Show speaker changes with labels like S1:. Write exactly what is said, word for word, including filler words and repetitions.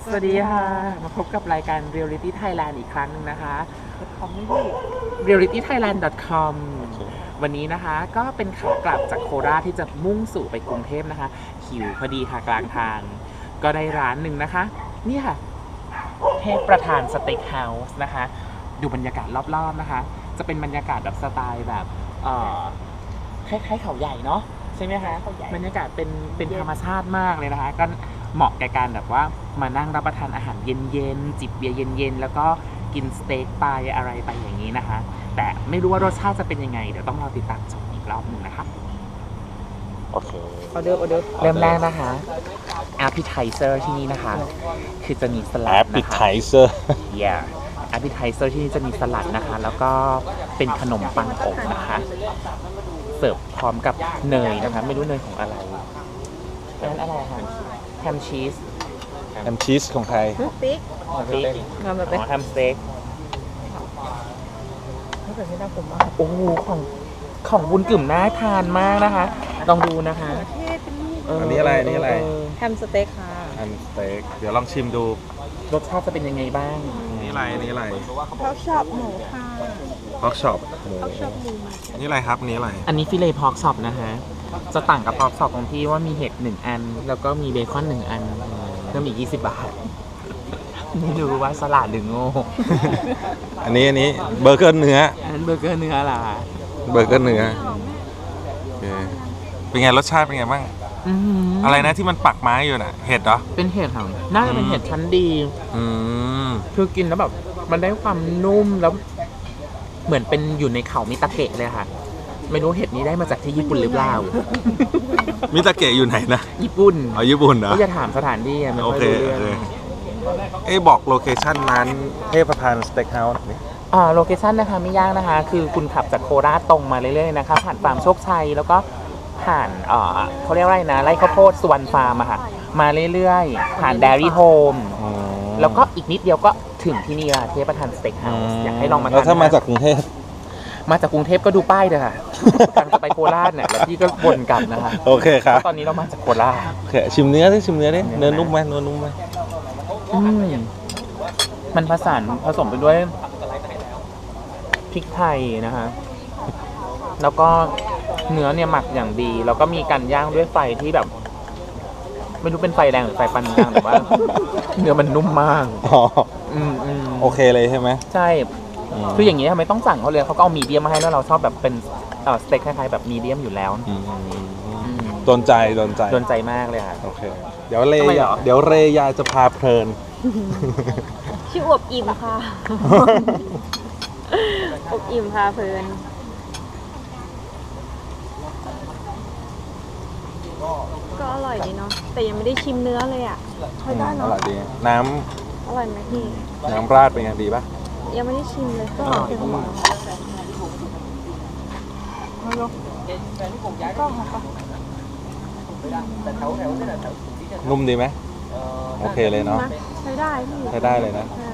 S1: สวัสดีค่ะ มาพบกับรายการ Reality Thailand อีกครั้งหนึ่งนะคะ เรียลลิตี้ไทยแลนด์ ดอท คอม วันนี้นะคะก็เป็นขากลับจากโคราชที่จะมุ่งสู่ไปกรุงเทพนะคะหิวพอดีค่ะกลางทาง ก็ได้ร้านหนึ่งนะคะ นี่ค่ะ เทพประธานสเต็กเฮาส์นะคะ ดูบรรยากาศรอบๆนะคะ จะเป็นบรรยากาศแบบสไตล์แบบเอ่อคล้ายๆเขาใหญ่เนาะใช่ไหมคะบรรยากาศเป็นเป็นธรรมชาติมากเลยนะคะ ก็เหมาะแก่การแบบว่ามานั่งรับประทานอาหารเย็นๆจิบเบียร์เย็นๆแล้วก็กินสเต็กไปอะไรไปอย่างนี้นะคะ แต่ไม่รู้ว่ารสชาติจะเป็นยังไง เดี๋ยวต้องรอติดตามชมอีกรอบหนึ่งนะคะ
S2: โอเค
S1: ออเดอร์ออเดอร์เริ่มแรกนะคะ appetizer ที่นี่นะคะ คือจะมีสลัดนะคะ
S2: appetizer
S1: yeah appetizer ที่นี่จะมีสลัดนะคะ แล้วก็เป็นขนมปังอบนะคะ เสิร์ฟพร้อมกับเนยนะคะ ไม่รู้เนยของอะไรอันนั้นอะไรคะแฮมชีส
S2: แฮมชีสของไทย
S3: ติ๊ก
S1: สเต็ก
S3: งานแบบ
S1: อ๋อแฮมสเต็ก
S3: ไม่เป็นไม่น่าผมมาก
S1: โอ้โหของของบุญกึ่มน่าทานมากนะคะ ลองดูนะคะ
S3: เทศเป็นลูก
S1: เ
S2: อันนี้อะไรอันนี้อะไร
S1: เ
S3: แฮมสเต็กค่ะ
S2: แฮมสเต็กเดี๋ยวลองชิมดู
S1: รสชาติจะเป็นยังไงบ้าง
S2: นี่อะไรนี่อะไร
S3: เขาชอบหมูค่ะ
S2: พอกช็อปหมู
S3: เขาชอบหมู
S2: นี่อะไรครับนี่อะไร
S1: อันนี้ฟิเลพอกช็อปนะคะ จะต่างกับพอกช็อปตรงที่ว่ามีเห็ดหนึ่งอัน แล้วก็มีเบคอนหนึ่งอันเพิ่มอีกยี่สิบบาท ไม่รู้ว่าสลัดหรือโง่
S2: อันนี้อันนี้เบอร์เกอร์เนื้อ
S1: อันนั้นเบอร์เกอร์เนื้อล่ะ
S2: เบอร์เกอร์เนื้อโอเคเป็นไงรสชาติเป็นไงบ้าง
S1: อื้อหื
S2: อะไรนะที่มันปักไม้อยู่น่ะเห็ดเหรอ
S1: เป็นเห็ดค่ะน่าจะเป็นเห็ดชั้นดี
S2: อืม
S1: คือกินแล้วแบบมันได้ความนุ่มแล้ว เหมือนเป็นอยู่ในเขามิตาเกะเลยค่ะ ไม่รู้เห็ดนี้ได้มาจากที่ญี่ปุ่นหรือเปล่า
S2: มิตาเกะอยู่ไหนนะ
S1: ญี่ปุ่น
S2: อ๋อญี่ปุ่นเหรอ
S1: ก็จะถามสถานที่อะไม่
S2: โอ
S1: ค่อย
S2: เค
S1: รู้
S2: โอ
S1: เรื่อง
S2: เคเอ้ยบอกโลเคชั่นร้านเทพประธานสเต็กเฮาส์นี่
S1: อ่าโลเคชั่นนะคะไม่ยากนะคะ คือคุณขับจากโคราชตรงมาเรื่อยๆนะคะ ผ่านฟาร์มโชคชัย แล้วก็ผ่านเอ่อเขาเรียกว่าอะไรนะไร่ข้าวโพดสุวรรณฟาร์มอะค่ะ มาเรื่อยๆ ผ่าน Dairy Home
S2: อืม
S1: แล้วก็อีกนิดเดียวก็ถึงที่นี่ละเทพประธานสเต็กเฮาส์อยากให้ลองมาทาน
S2: แล้วถ้ามา
S1: นะคะ
S2: จากกรุงเทพ
S1: มาจากกรุงเทพก็ดูป้ายเลยค่ะ ทางจะไปโคราชเนี่ยแล้วพี่ก็วนกลับนะคะ
S2: โอเคครับ
S1: เพราะตอนนี้เรามาจากโคราช
S2: โอเคชิมเนื้อดิชิมเนื้อดิ
S1: เนื้
S2: เนื้
S1: อ
S2: อนุ่มไหมเนื้อนุ่มไหม
S1: อืมมันผสานผสมไปด้วยพริกไทยนะคะ แล้วก็เนื้อเนี่ยหมักอย่างดี แล้วก็มีการย่างด้วยไฟที่แบบ ไม่รู้เป็นไฟแรงหรือไฟปานกลางแต่ว่า เนื้อมันนุ่มมาก
S2: อ๋อ
S1: อืมอืม
S2: โอเคเลยใช่ไหม
S1: ใช่
S2: ม
S1: คืออย่างนี้ทำไมต้องสั่งเขาเลยเขาก็เอามีเดียมมาให้แล้วเราชอบแบบเป็นเอ่อสเต็กคล้ายๆแบบมีเดียมอยู่แล้ว
S2: อืม
S1: อืม
S2: โดนใจโดนใจ
S1: โดนใจมากเลยค่ะ
S2: โอเค เดี๋ยวเร
S1: ทำไมเห
S2: ย
S1: รอ
S2: เดี๋ยวเรยาจะพาเพลิน
S3: ชื่ออวบอิ่มค่ะ อวบอิ่มพาเพลิน ก็อร่อยดีเนาะ แต่ยังไม่ได้ชิมเนื้อเลยอ่ะใช้ได้
S2: อ
S3: เนาะ
S2: ร่อยดี น้
S3: อร่อยไหมพี่
S2: ำน้ำราดเป็นไงดีปะ
S3: ยังไม่ได้ชิมเลยก็อร่อยเป็นหมอก็ค่ะ
S2: นุ่มดีไหมโอเคเลยเนาะ
S3: ใช้ได้พี่
S2: ใช้ได้เลยนะ